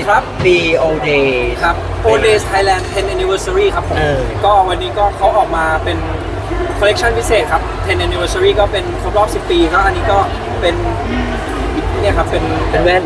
ครับ BOD ครับ Odays Thailand 10 Anniversary ครับผมก็วันนี้ก็เขาออกมาเป็นคอลเลกชันพิเศษครับ 10 Anniversary ก็เป็นครบรอบ 10 ปีก็อันนี้ก็เป็นเนี่ยครับเป็นแว่น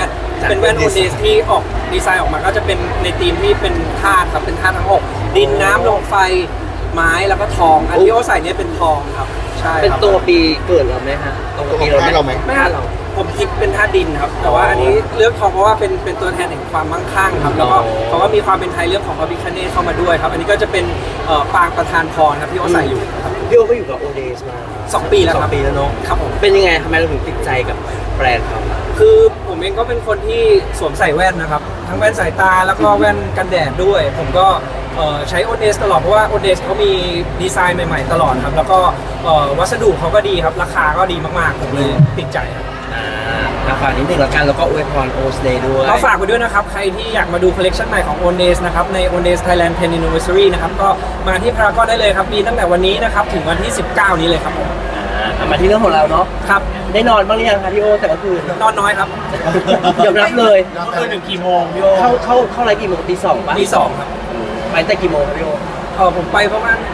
Odays ที่ออกดีไซน์ออกมาก็จะเป็นในธีมที่เป็นธาตุครับเป็นธาตุทั้ง6ดินน้ำลมไฟไม้แล้วก็ทองอันที่โอใส่เนี่ยเป็นทองครับใช่ครับเป็นตัวปีเกิดเราไหมฮะตรงกับปีเราไหมไม่เราผมคิดเป็นธาตุดินครับแต่ว่าอันนี้เลือกทองเพราะว่าเป็นตัวแทนแห่งความมั่งคั่งครับแล้วก็เพราะว่ามีความเป็นไทยเรื่องของพระพิฆเนศเข้ามาด้วยครับอันนี้ก็จะเป็นปางประธานพรครับที่โอใส่อยู่ครับพี่โอก็อยู่กับ Odays มา 2 ปีแล้วครับ 2 ปีแล้วเนาะครับผมเป็นยังไงทำไมเราถึงติดใจกับแบรนด์เขาคือผมเองก็เป็นคนที่สวมใส่แว่นนะครับทั้งแว่นสายตาแล้วก็แว่นกันแดดด้วยผมก็ใช้ Odays ตลอดเพราะว่า Odays เขามีดีไซน์ใหม่ๆตลอดครับแล้วก็วัสดุเขาก็ดีครับราคาก็ดีมากๆผมเลยติดใจครับฝากนิดนึงแล้วกันแล้วก็อวยพร Odays ด้วยก็ฝากไปด้วยนะครับใครที่อยากมาดูคอลเลกชันใหม่ของ Odays นะครับใน Odays Thailand 10 Anniversary นะครับก็มาที่พารากอนได้เลยครับมีตั้งแต่วันนี้นะครับถึงวันที่ 19 นี้เลยครับผมมาที่เรื่องของเราเนาะครับได้นอนบ้างหรือยังคะพี่โอแต่ก็คืนนอนน้อยครับยอมรับเลยคืนถึงกี่โมงพี่โอเข้าไรกี่โมงตี 2ป่ะตี 2ครับไปแต่กี่โมงพี่โอผมไปประมาณ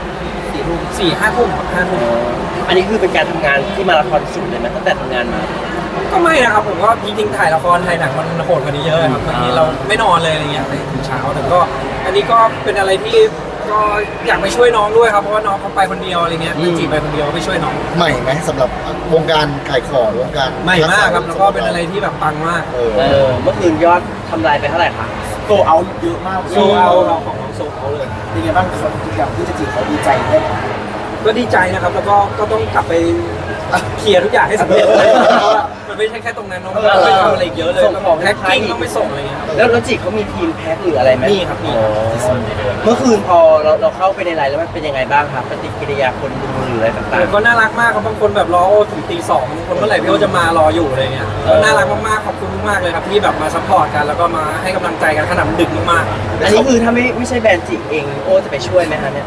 4-5 ทุ่มครับ5 ทุ่มอันนี้คือเป็นการทำงานที่มาราธอนสุดเลยไหมตั้งแต่ทำงานมาก็ไม่นะครับผมก็จริงๆถ่ายละครถ่ายหนังมันโหดกว่านี้เยอะครับบางทีเราไม่นอนเลยอะไรเงี้ยถึงเช้าแต่ก็อันนี้ก็เป็นอะไรที่ก็อยากไปช่วยน้องด้วยครับเพราะว่าน้องเขาไปคนเดียวอะไรเงี้ยจีบไปคนเดียวไปช่วยน้องใหม่ไหมสำหรับวงการขายของวงการใหม่มากครับแล้วก็เป็นอะไรที่แบบปังมากเมื่อคืนยอดทำลายไปเท่าไหร่คะโซเอาเยอะมากโซเอาเราของน้องโซเอาเลยเป็นไงบ้างคนอย่างที่จะจีบเขาดีใจไหมก็ดีใจนะครับแล้วก็ต้องกลับไปเคลียร์ทุกอย่างให้สำเร็จเลยเพราะว่ามันไม่ใช่แค่ตรงนั้นน้องต้องไปทำอะไรเยอะเลยส่งของแพ็คกิ้งต้องไปส่งอะไรเงี้ยแล้วจีเขามีทีมแพ็คหรืออะไรไหมมีครับมีเมื่อคืนพอเราเข้าไปในไลน์แล้วมันเป็นยังไงบ้างครับปฏิกิริยาคนดูหรืออะไรต่างๆก็น่ารักมากครับบางคนแบบรอโอ้ถึงตี 2บางคนเมื่อไหร่พี่โอจะมารออยู่อะไรเงี้ยก็น่ารักมากๆขอบคุณมากๆเลยครับที่แบบมาซัพพอร์ตกันแล้วก็มาให้กำลังใจกันขนาดดึกมากๆอันนี้คือถ้าไม่ใช่แบรนด์จีเองโอจะไปช่วยไหมคะเนี่ย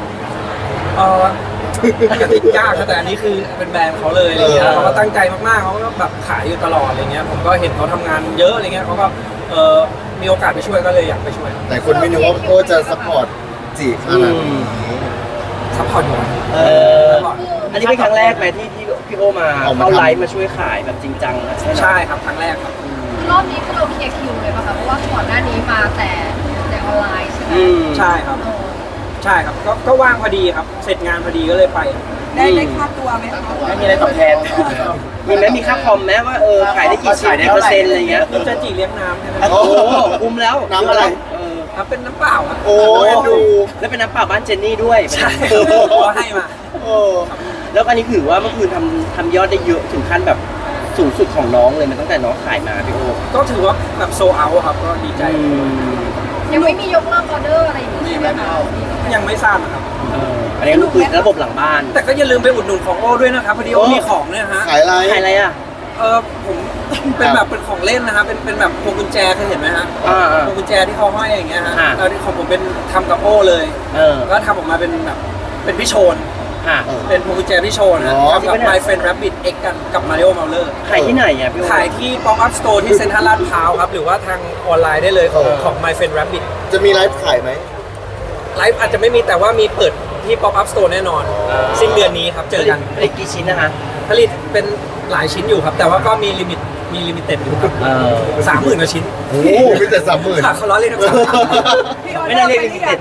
ก็ติดยากแต่อันนี้คือเป็นแบรนด์เขาเลยอะไรเงี้ยเขาก็ตั้งใจมากๆเขาก็แบบขายอยู่ตลอดอะไรเงี้ยผมก็เห็นเขาทำงานเยอะอะไรเงี้ยเขาก็มีโอกาสไปช่วยก็เลยอยากไปช่วยแต่คนไม่นึกว่าโอจะซัพพอร์ตจีขนาดนี้ซัพพอร์ตอยู่อันนี้เป็นครั้งแรกไหมที่พี่โอมาเข้าไลฟ์มาช่วยขายแบบจริงจังใช่ครับครั้งแรกครับรอบนี้คือเราเคลียร์คิวเลยป่ะคะเพราะว่าก่อนหน้านี้มาแต่ออนไลน์ใช่ไหมใช่ครับใช่ครับก็ว่างพอดีครับเสร็จงานพอดีก็เลยไปได้ค่าตัวไหมคะไม่มีอะไรตอบแทนมีไหมมีค่าคอมไหมว่าขายได้กี่ชิ้นได้เปอร์เซ็นต์อะไรเงี้ยจะจีเลี้ยงน้ำใช่ไหมโอ้คุ้มแล้วน้ำอะไรครับเป็นน้ำเปล่าครับโอ้ดูแล้วเป็นน้ำเปล่าบ้านเจนนี่ด้วยใช่ก็ให้มาแล้วอันนี้ถือว่าเมื่อคืนทำยอดได้เยอะถึงขั้นแบบสูงสุดของน้องเลยมันตั้งแต่น้องขายมาพี่โอก็ถือว่าแบบโซเอาครับก็ดีใจยังไม่มียกเลิกออเดอร์อะไรอย่างนี้ไหมคะยังไม่ทราบนะครับอันนี้คือระบบหลังบ้านแต่ก็อย่าลืมไปอุดหนุนของโอ้ด้วยนะครับพอดีโอ้มีของเนี่ยฮะขายอะไรอ่ะผมเป็นแบบเป็นของเล่นนะครับเป็นแบบพวงกุญแจเคยเห็นไหมฮะพวงกุญแจที่เขาห้อยอย่างเงี้ยฮะของผมเป็นทำกับโอ้เลยก็ทำออกมาเป็นแบบเป็นพี่โชนเป็นพวงกุญแจพี่โชนนะทำกับ My Friend Rabbit X กันกับ Mario Mauler ขายที่ไหนอ่ะพี่ขายที่ Pop Up Store ที่เซ็นทรัลลาดพร้าวครับหรือว่าทางออนไลน์ได้เลยของ My Friend Rabbit จะมีไลฟ์ขายไหมไลฟ์อาจจะไม่มีแต่ว่ามีเปิดที่ Pop Up Store แน่นอนสิ้นเดือนนี้ครับเจอกันผลิตกี่ชิ้นนะคะผลิตเป็นหลายชิ้นอยู่ครับแต่ว่าก็มีลิมิเต็ดอยู่ครับ30,000 กว่าชิ้นโอ้ไม่แต่30,000 เขาล้อเล่นครับไม่ได้เรียกลิมิเต็ด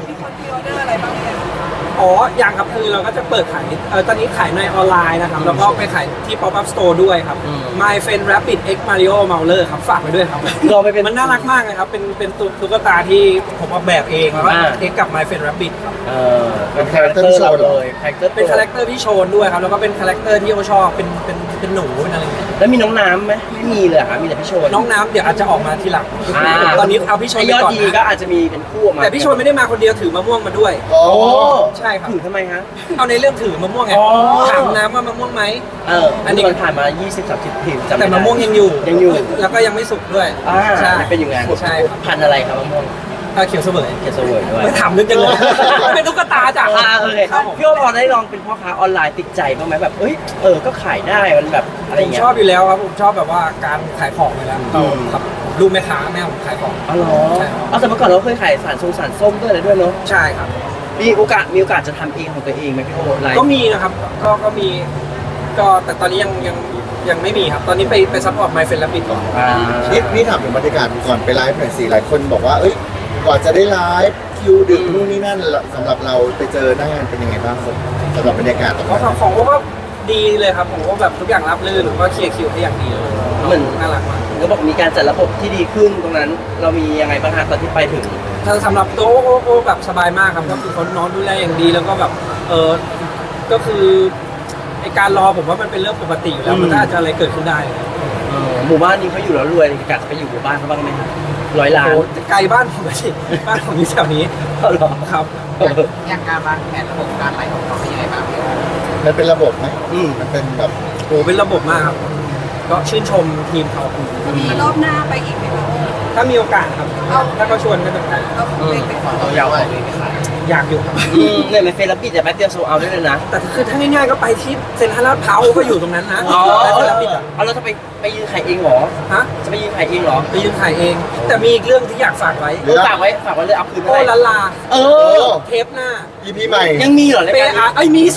ยังครับคือเราก็จะเปิดขายตอนนี้ขายในออนไลน์นะครับแล้วก็ไปขายที่ Pop Up Store ด้วยครับ My Friend Rabbit X Mario Mauler ครับฝากไปด้วยครับมันน่ารักมากเลยครับเป็นตุ๊กตาที่ผมออกแบบเองแล้วก็ X กับ My Friend Rabbit ครับเป็นคาแรคเตอร์ที่โชว์เลยเป็นคาแรคเตอร์ที่โชว์ด้วยครับแล้วก็เป็นคาแรคเตอร์ที่โอชอบเป็นหนูเป็นอะไรอย่างเงี้ยแล้วมีน้องน้ำไหมไม่มีเลยครับมีแต่พี่โชนน้องน้ำเดี๋ยวอาจจะออกมาทีหลังตอนนี้เอาพี่โชนยอดดีก็อาจจะมีเป็นคู่มาแต่พี่โชนไม่ได้มาคนเดียวถือมะม่วงมาด้วยโอ้ใช่ครับถือทำไมฮะเอาในเรื่องถือมะม่วงไงถามน้ำว่ามะม่วงไหมอันนี้มันผ่านมา20-30 ปีแต่มะม่วงยังอยู่แล้วก็ยังไม่สุกด้วยใช่เป็นอย่างงั้นใช่พันอะไรครับมะม่วงเขียวเสวยด้วยไม่ถามนึกจังเลยเป็นตุ๊กตาจ้ะพี่โอพอได้ลองเป็นพ่อค้าออนไลน์ติดใจบ้างไหมแบบก็ขายได้มันแบบอะไรอย่างเงี้ยชอบอยู่แล้วครับผมชอบแบบว่าการขายของอยู่แล้วครับลูกแม่ค้าแม่ผมขายของอ๋อเหรอใช่ครับเอาแต่เมื่อก่อนเราเคยขายสารส้มด้วยอะไรด้วยเนาะใช่ครับมีโอกาสจะทำเองของตัวเองไหมพี่โอ๊ตไลฟ์ก็มีนะครับก็มีก็แต่ตอนนี้ยังไม่มีครับ ตอนนี้ไปซัพพอร์ต My Friend Rabbit ก่อนนี่ถามถึงบรรยากาศก่อนไปไลฟ์หน่อยสิหลายคนบอกว่าเอ้ยก่อนจะได้ไลฟ์คิวดึกนู่นนี่นั่นสำหรับเราไปเจอหน้างานเป็นยังไงบ้างครับสำหรับบรรยากาศตรงเพราะนั้นของผมก็ดีเลยครับผมก็แบบทุกอย่างรับรื่นผมก็เคลียร์คิวให้อย่างดีเลยเหมือนน่ารักมากก็บอกมีการจัดระบบที่ดีขึ้นตรงนั้น เรามียังไงบ้างฮะตอนที่ไปถึงถ้าสำหรับโต๊ะก็แบบสบายมากครับก็คือเขานอนดูแลอย่างดีแล้วก็แบบก็คือไอการรอผมว่ามันเป็นเรื่องปกติอยู่แล้วมันน่าจะอะไรเกิดขึ้นได้หมู่บ้านนี้เขาอยู่แล้วรวยกะจะไปอยู่หมู่บ้านเขาบ้างไหมครับ100 ล้านโอ้ไกลบ้านผมไปสิบ้านผมอยู่แถวนี้เอาเหรอครับอย่างการวางแผนระบบการไลฟ์ของเราเป็นยังไงบ้างพี่โอ๊ตมันเป็นระบบไหมอืมมันเป็นแบบโอ้เป็นระบบมากครับก็ชื่นชมทีมเขามีรอบหน้าไปอีกไหมคะถ้ามีโอกาสครับถ้าเขาชวนก็จะไปเราคงไปขอเราอยากออกเลยไหมคะอยากอยู่ครับเนี่ยมันเฟรนด์ปิดแต่แป๊บเดียวโซเอาได้เลยนะแต่คือถ้าง่ายๆก็ไปที่เซ็นทรัลลาดพร้าวก็อยู่ตรงนั้นนะอ๋อไปเซ็นทรัลปิดอะเอาแล้วจะไปยืนขายเองเหรอฮะจะไปยืนขายเองเหรอไปยืนถ่ายเอง แต่มีอีกเรื่องที่อยากฝากไว้ฝากไว้เลยเอาคืนโอ้ไปลาลาเออเทปหน้า EP ใหม่ยังมีเหรอรายเปการอานี้ไอ้ยมีสิ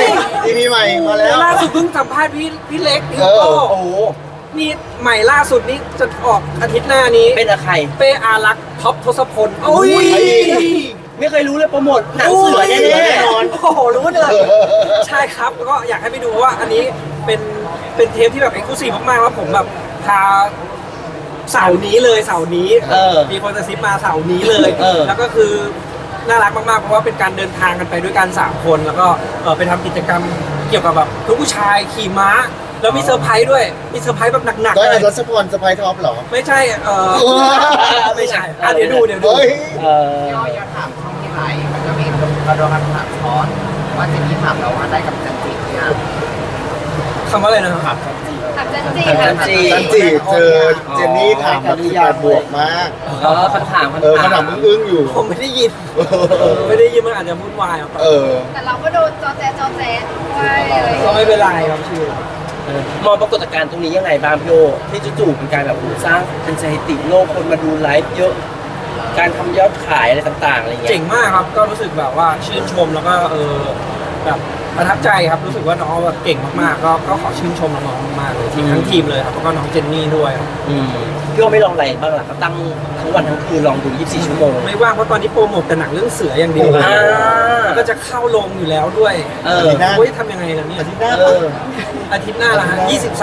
EP ใหม่มาแล้วล่าสุดเพิ่งสัมภาษณ์พี่เล็กพี่เออโก้โอ้โหนี่ใหม่ล่าสุดนี่จะออกอาทิตย์หน้านี้เป็นอะไรเป้อารักษ์ท็อปทศพลโอ้ยไม่เคยรู้เลยโปรโมทหนังเสือแน่แน่นอนโอ้โหรู้เลย ใช่ครับแล้วก็อยากให้ไปดูเพราะว่าอันนี้เป็นเทปที่แบบเอ็กซ์คลูซีฟมากๆแล้วผมแบบพาเสาร์นี้เลยเสาร์นี้ มีคนจะซิปมาเสาร์นี้เลย แล้วก็คือน่ารักมากๆเพราะว่าเป็นการเดินทางกันไปด้วยกัน3คนแล้วก็ไปทำกิจกรรมเกี่ยวกับแบบทุกผู้ชายขี่ม้า แล้วมีเซอร์ไพรส์ด้วยมีเซอร์ไพรส์แบบหนักก็ๆเลไอ้ยรัชพลสไปท็อปเหรอไม่ใช่ไม่ใช่เดี๋ยวดูเฮ้ยๆพี่โอ๊ตอยากถามช่องที่ไลฟ์มันก็มีกระโดดคำถามซ้อนว่าเจนนี่ถามเราว่าได้กับจันจิเนี่ยคำว่าอะไรนะครับถามจันจีถามจันจีจันจีเจอเจนนี่ถามแบบ18 บวกมากคำถามขนาดอึ้งๆอยู่ผมไม่ได้ยินไม่ได้ยินมันอาจจะวุ่นวายครับแต่เราก็โดนจอแจด้วยอะไรอย่างก็เงี้ยไม่เป็นไรครับชื่อมองปรากฏการณ์ตรงนี้ยังไงบ้างพี่โอที่จู่ๆเป็นการแบบสร้างเป็นสถิติโลกคนมาดูไลฟ์เยอะ การทำยอดขายอะไรต่างๆอะไรเงี้ยเจ๋งมากครับก็รู้สึกแบบว่าชื่นชมแล้วก็แบบประทับใจครับรู้สึกว่าน้องแบบเก่งมากๆก็ขอชื่นชมน้องๆมากๆเลยทีมทั้งทีมเลยครับแล้วก็น้องเจนนี่ด้วยครับพี่โอไม่ลองอะไรบ้างล่ะก็ตั้งทั้งวันทั้งคืนลองดู24 ชั่วโมงไม่ว่างเพราะตอนนี้โปรโมทแต่หนังเรื่องเสืออย่างเดียวอ่าแล้วก็จะเข้าลงอยู่แล้วด้วย โอ้ยทำยังไงล่ะเนี่ย อาทิตย์หน้าละฮะ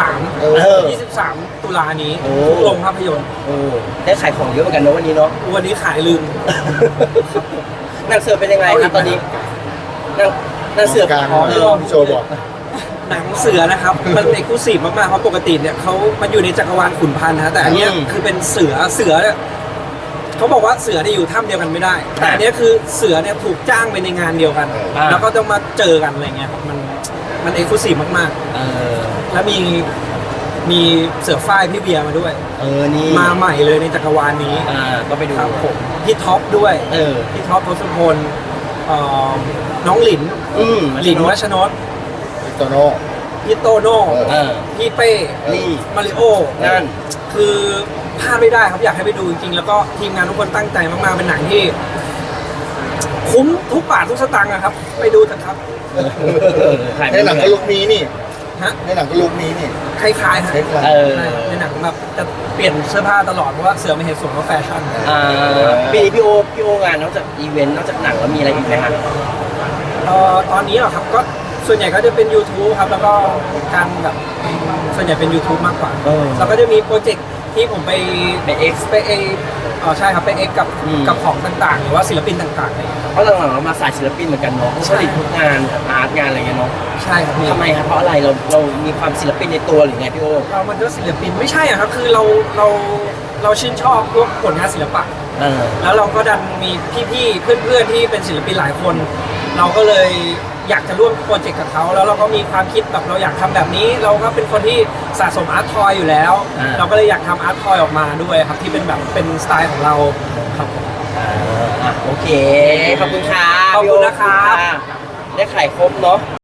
23 ตุลานี้ทุกโรงภาพยนตร์โอ้ได้ขายของเยอะเหมือนกันนะวันนี้เนาะวันนี้ขายลืมหนังเสือเป็นยังไงครับตอนนี้หนังเสือการโชว์บอกหนังเสือนะครับ มันเอกลูซีฟมากๆเพราะปกติเนี่ยมันอยู่ในจักรวาลขุนพันธ์นะแต่อันเนี้ยคือเป็นเสือเนี่ยเขาบอกว่าเสือเนี่ยอยู่ถ้ำเดียวกันไม่ได้ แต่อันเนี้ยคือเสือเนี่ยถูกจ้างไปในงานเดียวกัน แล้วก็ต้องมาเจอกันอะไรเงี้ยครับมันเอกลูซีฟมากๆแล้วมีเสือฝ้ายพี่เบียร์มาด้วยนี่มาใหม่เลยในจักรวาลนี้ก็ไปดูครับผมพี่ท็อปด้วยพี่ท็อปทศพลน้องหลินรัชนนท์โตโน่พี่โตโน่พี่เป้นี่มาริโอนั่นคือพลาดไม่ได้ครับอยากให้ไปดูจริงๆ แล้วก็ทีมงานทุกคนตั้งใจมากๆ เป็นหนังที่ คุ้มทุกบาททุกสตางค์นะครับ ไปดูเถอะครับในหนังก็ลุกนี้นี่ฮะในหนังก็ลุกนี้นี่คล้ายๆฮะคล้ายใช่ในหนังแบบจะเปลี่ยนเสื้อผ้าตลอดเพราะว่าเสือไม่เห็นสวมว่าแฟชั่นปีนี้พี่โองานนอกจากอีเวนต์นอกจากหนังแล้วมีอะไรอีกไหมครับตอนนี้เหรอครับก็ส่วนใหญ่ก็จะเป็น YouTube ครับแล้วก็การแบบส่วนใหญ่เป็น YouTube มากกว่าแล้วก็จะมีโปรเจกต์ที่ผมไป X ใช่ครับไป X กับของต่างๆ หรือว่าศิลปินต่างๆอะไรอย่างเงี้ยครับเพราะหลังๆเรามาสายศิลปินเหมือนกันเนาะผลิตทุกงานอาร์ตงานอะไรเงี้ยเนาะใช่ครับพี่ทำไมครับเพราะอะไรเรามีความศิลปินในตัวหรือไงพี่โอมันก็ศิลปินไม่ใช่อะครับคือเราชื่นชอบพวกผลงานศิลปะ แล้วเราก็ดันมีพี่ๆเพื่อนๆที่เป็นศิลปินหลายคน เราก็เลยอยากจะร่วมโปรเจกต์กับเขาแล้วเราก็มีความคิดแบบเราอยากทำแบบนี้ เราก็เป็นคนที่สะสมอาร์ตทอยอยู่แล้ว เราก็เลยอยากทำอาร์ตทอยออกมาด้วยครับที่เป็นแบบเป็นสไตล์ของเราครับผมโอเคขอบคุณค่ะขอบคุณนะครับได้ขายครบเนาะ